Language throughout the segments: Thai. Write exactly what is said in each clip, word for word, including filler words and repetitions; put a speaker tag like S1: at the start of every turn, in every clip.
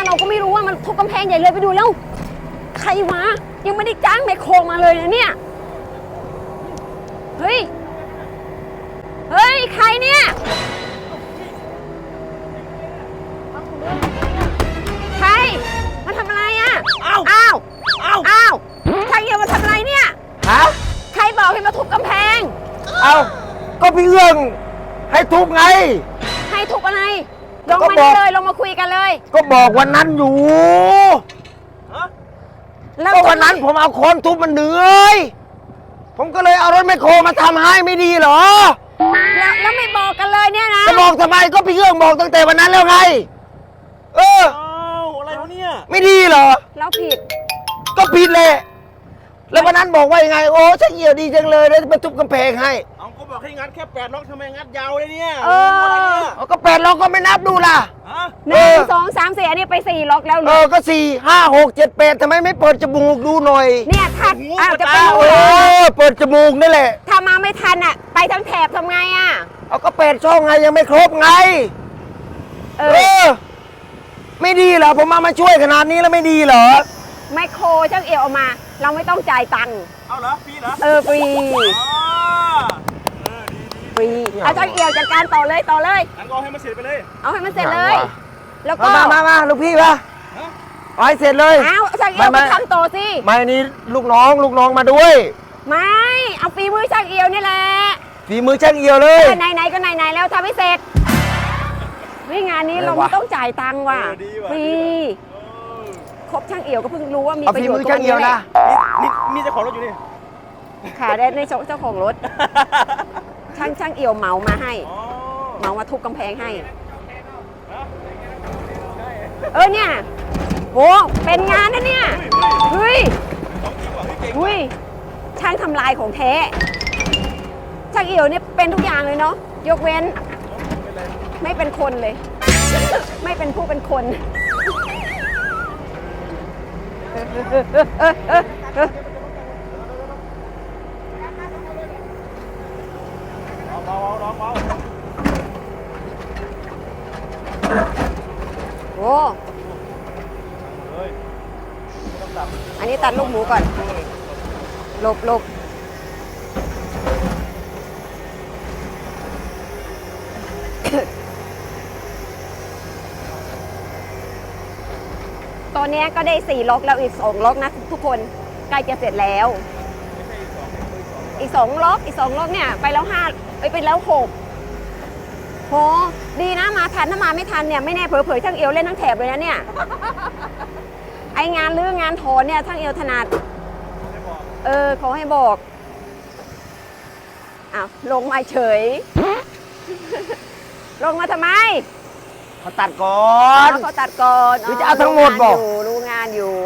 S1: เราก็ไม่รู้ว่ามันทุบกำแพงใหญ่เลยไปดูแล้วใครวะยังไม่ได้จ้างแมคโครมาเลยนะเนี่ยเฮ้ยเฮ้ยใครเนี่ยใครมาทำอะไรอ่ะอ้าวอ้าวอ้าวอ้าวช่างเอี่ยวมาทำอะไรเนี่ย
S2: ฮะ
S1: ใครบอกให้มาทุบกำแพง
S2: เอ้าก็พี่เอื้องให้ทุบไง
S1: ให้ทุบอะไรลงมาได้เลยลงมาคุยกันเลย
S2: ก็บอกวันนั้นอยู่ก็วันนั้นผมเอาโคนทุบมันเหนื่อยผมก็เลยเอารถแมคโครมาทำให้ไม่ดีเหรอ
S1: แล้วแล้วไม่บอกกันเลยเนี่ยนะ
S2: จะบอกทำไมก็พี่เอื้องบอกตั้งแต่วันนั้นแล้วไงเออ
S3: อะไรวะเนี่ย
S2: ไม่ดีเหรอ
S1: แล้วผิด
S2: ก็ผิดเลยแล้ววันนั้นบอกว่ายังไงโอ้ช่างเอี่ยวดีจังเลยแล้วมาทุบกำแพงให้
S3: เอาก็บอกให้งัดแค่แปดล็อกทำไมงัดยาวเลยเนี่ย
S1: เอ
S2: อก็แปดล็อกก็ไม่นับดูล่ะ
S1: หนึ่งสองสามสี่อันนี้ไปสี่ล็อกแล้ว
S2: เออก็สี่ห้าหกเจ็ดแปดทำไมไม่เปิดจมูกดูหน่อย
S1: เนี่ยทัดอ้าวจะไปดู
S2: เออเปิดจมูกนี่แหละ
S1: ถ้ามาไม่ทันอ่ะไปทั้งแถบทำไงอ่ะ
S2: เอาก็แปดช่องไงยังไม่ครบไงเออไม่ดีเหรอผมมามาช่วยขนาดนี้แล้วไม่ดีเหรอ
S1: ไมโครช่างเอี่ยวเอามาเราไม่ต้องจ่ายตังค์
S3: เอาเหรอฟรีเหรอ
S1: เออฟรีฟรีเอาช่างเอี่ยวจัดการต่อเลยต่อเลย
S3: งั้นก็เอาให้มันเสร็จไปเลย
S1: เอาให้มันเสร็จเลยแล้วก็
S2: มามามาลูกพี่มาเอาให้เสร็จเลย
S1: เอาช่างเอี่ยวมาทำต่อสิ
S2: ไม่นี่ลูกน้องลูกน้องมาด้วย
S1: ไม่เอาฝีมือช่างเอี่ยวนี่แหละ
S2: ฝีมือช่างเอี่ยวเลย
S1: ไหนไหนก็ไหนไหนแล้วทำให้เสร็จวิงานนี้เราไม่ต้องจ่ายตังค์ว่ะฟรีครบช่างเอี่ยวก็เพิ่งรู้ว่ามีประโยชน์ตรงนี้แหละ
S3: นี่มีเจ้าของรถอยู่นี่
S1: ค่ะได้ในเจ้าของรถช่างช่างเอี่ยวเหมามาให้เหมามาทุบกำแพงให้เออเนี่ยโหเป็นงานนะเนี่ยเฮ้ยเฮ้ยช่างทำลายของแท้ช่างเอี่ยวเนี่ยเป็นทุกอย่างเลยเนาะยกเว้นไม่เป็นคนเลยไม่เป็นผู้เป็นคน
S3: เบาๆน้องเบา
S1: โอ้อันนี้ตัดลูกหมูก่อนหลบหลบตอนนี้ก็ได้สี่ล็อกแล้วอีกสองล็อกนะทุกคนใกล้จะเสร็จแล้วอีกสองล็อกอีกสองล็อกเนี่ยไปแล้วห้าไปไปแล้วหกโหดีนะมาทันถ้ามาไม่ทันเนี่ยไม่แน่เผลอๆช่างเอวเล่นทั้งแถบเลยนะเนี่ยไองานลื้องานถอนเนี่ยช่างเอวถนัดเออขอให้บอกอ้าวลงมาเฉยลงมาทำไม
S2: เขาตัดก่อน
S1: เขาตัดก่อน
S2: หรือจะเอาทั้งหมดบอก
S1: รู้งานอยู่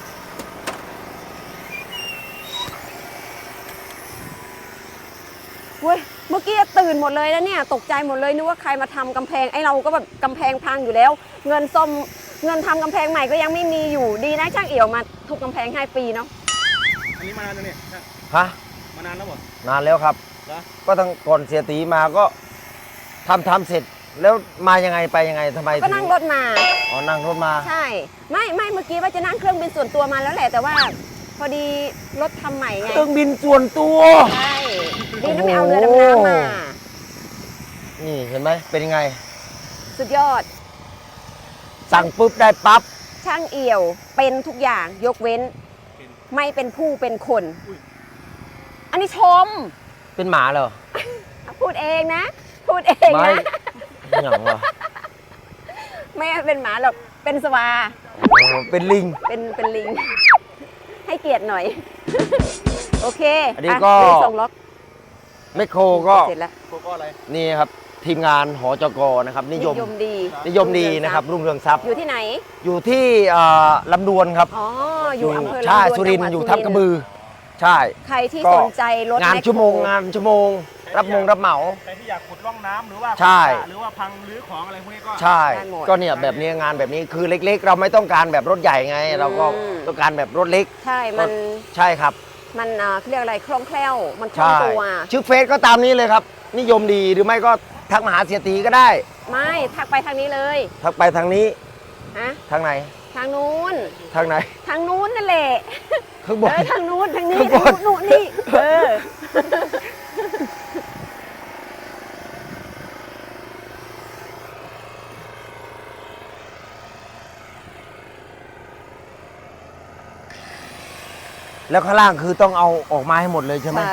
S1: เว้ยเมื่อกี้ตื่นหมดเลยแล้วเนี่ยตกใจหมดเลยนึกว่าใครมาทำกำแพงไอ้เราก็แบบกำแพงพังอยู่แล้วเงินส้มเงินทำกำแพงใหม่ก็ยังไม่มีอยู่ดีนะช่างเอี่ยวมาทุบกำแพงให้ฟรีเนาะ
S3: อันนี้มานานแล้วเนี่ย
S2: ฮะ
S3: มานานแล้วหมด
S2: นานแล้วครับก็ตั้งก่อนเสียตีมาก็ทำทำเสร็จแล้วมายังไงไปยังไงทำไม
S1: ก็นั่งรถมา
S2: อ๋อนั่งรถมา
S1: ใช่ไม่ไม่เมื่อกี้ว่าจะนั่งเครื่องบินส่วนตัวมาแล้วแหละแต่ว่าพอดีรถทำใหม่ไง
S2: เครื่องบินส่วนตัว
S1: ใช่ดีนะไม่เอาเรือดำน้ำมา
S2: นี่เห็นไหมเป็นยังไง
S1: สุดยอด
S2: สั่งปุ๊บได้ปั๊บ
S1: ช่างเอี่ยวเป็นทุกอย่างยกเว้นไม่เป็นผู้เป็นคนอันนี้ชม
S2: เป็นหมาเหรอ
S1: พูดเองนะพูดเองนะ
S2: อย่างวะ
S1: ไม่เป็นหมาหรอกเป็นสวา
S2: เป็นลิง
S1: เป็นเป็นลิงให้เกียรติหน่อยโอเค
S2: อันนี้ก็
S1: ส่งล็อก
S2: แมคโครก็
S1: เสร็จแล้ว
S3: ก็อะไร
S2: นี่ครับทีมงานหจกนะครับนิยม
S1: ดี
S2: นิยมดีนะครับรุ่งเรืองทรัพย์
S1: อยู่ที่ไหน
S2: อยู่ที่ลำดวนครับ
S1: อ๋ออยู่อำเภอลำดวน
S2: ใช่สุรินทร์อยู่ทับกระบือใช่
S1: ใครที่สนใจรถ
S2: งานชั่วโมงงานชั่วโมงรับมงรับเหมา
S3: ใครที่อยากขุดร่องน้ำหรือว่า
S2: ใช่
S3: หรือว่าพังรื้อของอะไรพวกนี้ก็
S2: ใช่ก็เนี่ยแบบนี้งานแบบนี้คือเล็กๆเราไม่ต้องการแบบรถใหญ่ไงเราก็ต้องการแบบรถเล็ก
S1: ใช่มัน
S2: ใช่ครับ
S1: มันเขาเรียกอะไรคล่องแคล่วมันคล่องตัว
S2: ชื่อเฟซก็ตามนี้เลยครับนิยมดีหรือไม่ก็ทักมาหาเสียตีก็ได้
S1: ไม่ทักไปทางนี้เลย
S2: ทักไปทางนี้
S1: ฮะ
S2: ทางไหน
S1: ทางนู้น
S2: ทางไหน
S1: ทางนู้นนั่นแหละ
S2: ข้างบ
S1: เอน อทางนู้นทางนี้
S2: ข้างบ
S1: ทาง
S2: น
S1: นู้นนี่เออ
S2: แล้วข้างล่างคือต้องเอาออกมาให้หมดเลยใช่ไหม
S1: ใช่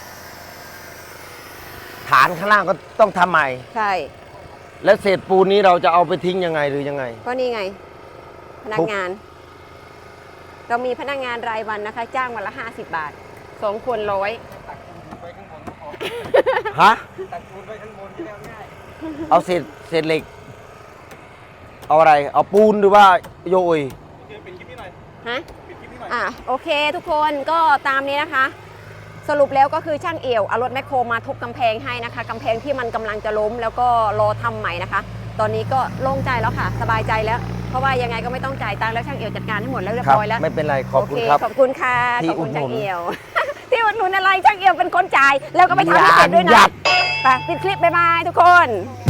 S2: ฐานข้างล่างก็ต้องทำใหม่
S1: ใช่
S2: แล้วเศษปูนนี้เราจะเอาไปทิ้งยังไงหรือยังไง
S1: ก็นี่ไง พนักงาน เรามีพนักงานรายวันนะคะ จ้างวันละห้าสิบบาทสองคนร้อย
S3: ตักปูนไปข้างบนก็พอ
S2: ฮะ
S3: ตักปูนไปข้างบนที่แล้วง่าย
S2: เอาเศษเศษเหล็ก เอาอะไร เอาปูนหรือว่าโยย
S3: โอเคปิดคลิปนี้หน่อย
S1: ฮะ
S3: ปิดคลิปนี้หน่อย
S1: อ่ะโอเคทุกคนก็ตามนี้นะคะ สรุปแล้วก็คือช่างเอี่ยวเอารถแมคโครมาทุบกำแพงให้นะคะกำแพงที่มันกำลังจะล้มแล้วก็รอทำใหม่นะคะ ตอนนี้ก็โล่งใจแล้วค่ะ สบายใจแล้ว เพราะว่ายังไงก็ไม่ต้องจ่ายตังค์แล้วช่างเอี่ยวจัดการให้หมดแล้วเรียบ
S2: ครับ
S1: ร้อยแล้ว
S2: ไม่เป็นไร ขอบคุณ
S1: โเ
S2: ครับ
S1: ขอบคุณค่ะ
S2: ที่
S1: ขอบคุณ
S2: อุดหนุ
S1: ช่าง
S2: น
S1: เอี่ยว ที่อุดหนุนอะไรช่างเอี่ยวเป็นคนจ่ายแล้วก็ไปทำให้เสร็จด้วย
S2: หยา
S1: นะ
S2: บ
S1: ไปปิดคลิปบ๊ายบายทุกคน